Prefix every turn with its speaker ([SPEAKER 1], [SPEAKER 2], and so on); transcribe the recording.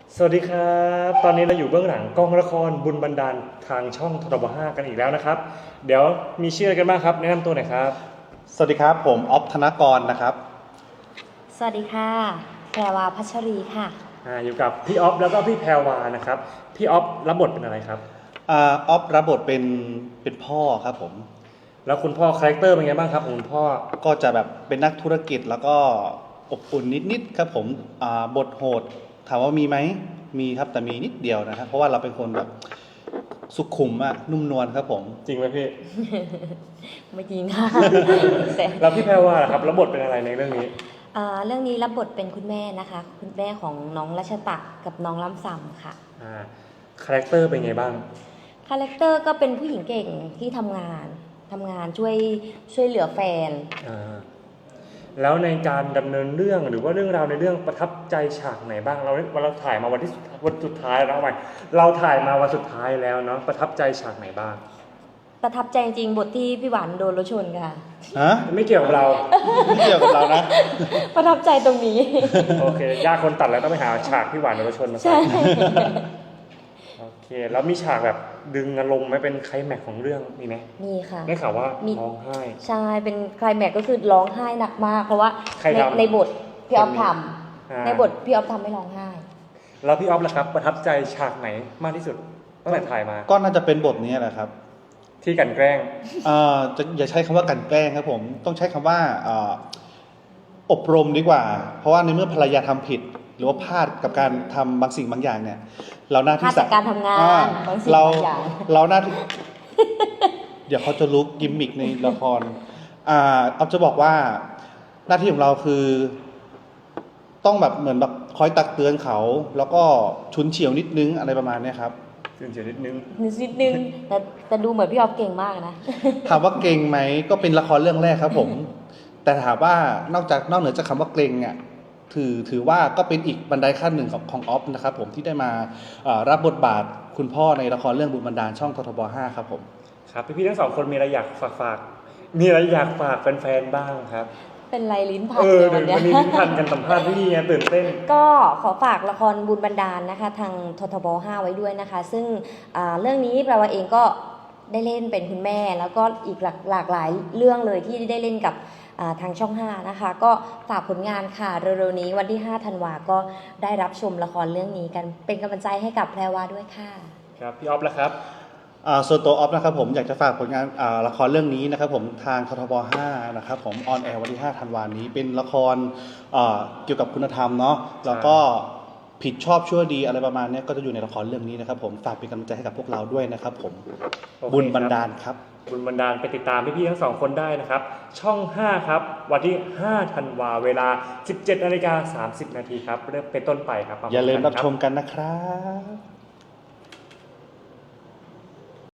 [SPEAKER 1] สวัสดีครับตอนนี้เราอยู่เบื้องหลังกองละครบุญบันดาลทางช่องทบ5กันอีกแล้วนะครับเดี๋ยวมีชื่ออะไรกันบ้างครับแนะนำตัวหน่อยครับ
[SPEAKER 2] สวัสดีครับผมออฟธนกรนะครับ
[SPEAKER 3] สวัสดีค่ะแพรวาพัชรีค่ะ
[SPEAKER 1] อยู่กับพี่ออฟแล้วก็พี่แพรวานะครับพี่ออฟรับบทเป็นอะไรครับ
[SPEAKER 2] ออฟรับบทเป็นพ่อครับผม
[SPEAKER 1] แล้วคุณพ่อคาแรคเตอร์เป็นไงบ้างครับของคุณพ่อ
[SPEAKER 2] ก็จะแบบเป็นนักธุรกิจแล้วก็อบอุ่นนิดๆครับผมบทโหดถามว่ามีไหมมีครับแต่มีนิดเดียวนะครับเพราะว่าเราเป็นคนแบบสุขุมอะนุ่มนวลครับผม
[SPEAKER 1] จริงไหมพี่
[SPEAKER 3] ไม่จริงค่ะ
[SPEAKER 1] แล้วพี่แพรวาครับรับบทเป็นอะไรในเรื่องนี้
[SPEAKER 3] เรื่องนี้รับบทเป็นคุณแม่นะคะคุณแม่ของน้องรัชตะกับน้องล้ำซำค่ะ
[SPEAKER 1] คาแรคเตอร์เป็นไงบ้าง
[SPEAKER 3] คาแรคเตอร์ก็เป็นผู้หญิงเก่งที่ทำงานช่วยเหลือแฟน
[SPEAKER 1] แล้วในการดำเนินเรื่องหรือว่าเรื่องราวในเรื่องประทับใจฉากไหนบ้างเราถ่ายมาวันสุดท้ายแล้วไหมเราถ่ายมาวันสุดท้ายแล้วเนาะประทับใจฉากไหนบ้าง
[SPEAKER 3] ประทับใจจริงบทที่พี่หวานโดนรถชนค่ะ
[SPEAKER 1] ไม่เกี่ยวกับเรา
[SPEAKER 2] ไม่เกี่ยวกับเรานะ
[SPEAKER 3] ประทับใจตรงนี้
[SPEAKER 1] โอเคยากคนตัดแล้วต้องไปหาฉากพี่หวานโดนรถชนมาใช่โอเคแล้วมีฉากแบบดึงอารมณ์ไหมเป็นไคลแม็กซ์ของเรื่องมีไหม
[SPEAKER 3] มีค่ะ
[SPEAKER 1] ได้ข่าวว่าร้องไห้
[SPEAKER 3] ใช่เป็นไคลแม็กซ์ก็คือร้องไห้หนักมากเพราะว่าในบทพี่ออฟทำในบทพี่ออฟทำไม่ร้องไห้
[SPEAKER 1] แล้วพี่ออฟล่ะครับประทับใจฉากไหนมากที่สุดตั้งแต่ถ่ายมา
[SPEAKER 2] ก็น่าจะเป็นบทนี้แหละครับ
[SPEAKER 1] ที่กันแกล้ง
[SPEAKER 2] จะอย่าใช้คำว่ากันแกล้งครับผมต้องใช้คำว่าอบรมดีกว่าเพราะว่าในเมื่อภรรยาทำผิดหรือว่าพลาดกับการทำบางสิ่งบางอย่างเนี่ยเราหน้าที่
[SPEAKER 3] การทำงานบางสิ่งบางอย่าง
[SPEAKER 2] เราหน้าที่เดี๋ยวเขาจะรู้กิมมิกในละครเอาจะบอกว่าหน้าที่ของเราคือต้องแบบเหมือนแบบคอยตักเตือนเขาแล้วก็ชุนเฉียวนิดนึงอะไรประมาณนี้ครับ
[SPEAKER 1] ชุนเฉียวนิดนึง
[SPEAKER 3] แต่ดูเหมือนพี่ออฟเก่งมากนะ
[SPEAKER 2] ถามว่าเก่งไหมก็เป็นละครเรื่องแรกครับผมแต่ถามว่านอกเหนือจากคำว่าเก่งอ่ะถือว่าก็เป็นอีกบันไดขั้นหนึ่งของออฟนะครับผมที่ได้มารับบทบาทคุณพ่อในละครเรื่องบุญบันดาลช่องททบ5ครับผม
[SPEAKER 1] ครับพี่ๆทั้งสองคนมีอะไรอยากฝากมีอะไรอยากฝากแฟนๆบ้างครับ
[SPEAKER 3] เป็นไรลิ้นพันเลย
[SPEAKER 1] วันนี้ลิ้นพันกันสัมภาษณ์พี่ไงตื่นเต้น
[SPEAKER 3] ก็ขอฝากละครบุญบันดาลนะคะทางททบ5ไว้ด้วยนะคะซึ่งเรื่องนี้แปลว่าเองก็ได้เล่นเป็นคุณแม่แล้วก็อีกหลากหลายเรื่องเลยที่ได้เล่นกับทางช่อง5นะคะก็ฝากผลงานค่ะเร็วๆนี้วันที่5 ธันวาก็ได้รับชมละครเรื่องนี้กันเป็นกำลังใจให้กับแพรวาด้วยค่ะ
[SPEAKER 1] ครับพี่ออฟแล้วครับ
[SPEAKER 2] ส่วนตัวออฟนะครับผมอยากจะฝากผลงานละครเรื่องนี้นะครับผมทางททบ5นะครับผมออนแอร์วันที่5 ธันวาคมนี้เป็นละครเกี่ยวกับคุณธรรมเนาะแล้วก็ผิดชอบชั่วดีอะไรประมาณนี้ก็จะอยู่ในละครเรื่องนี้นะครับผมฝากเป็นกำลังใจให้กับพวกเราด้วยนะครับผมบุญบันดาลครับ
[SPEAKER 1] บุญบันดาลไปติดตามพี่ๆทั้งสองคนได้นะครับช่อง5ครับวันที่5 ธันวาเวลา 17:30 นครับเริ่มเป็นต้นไปครับ
[SPEAKER 2] อย่าลืมรับชมกันนะครับ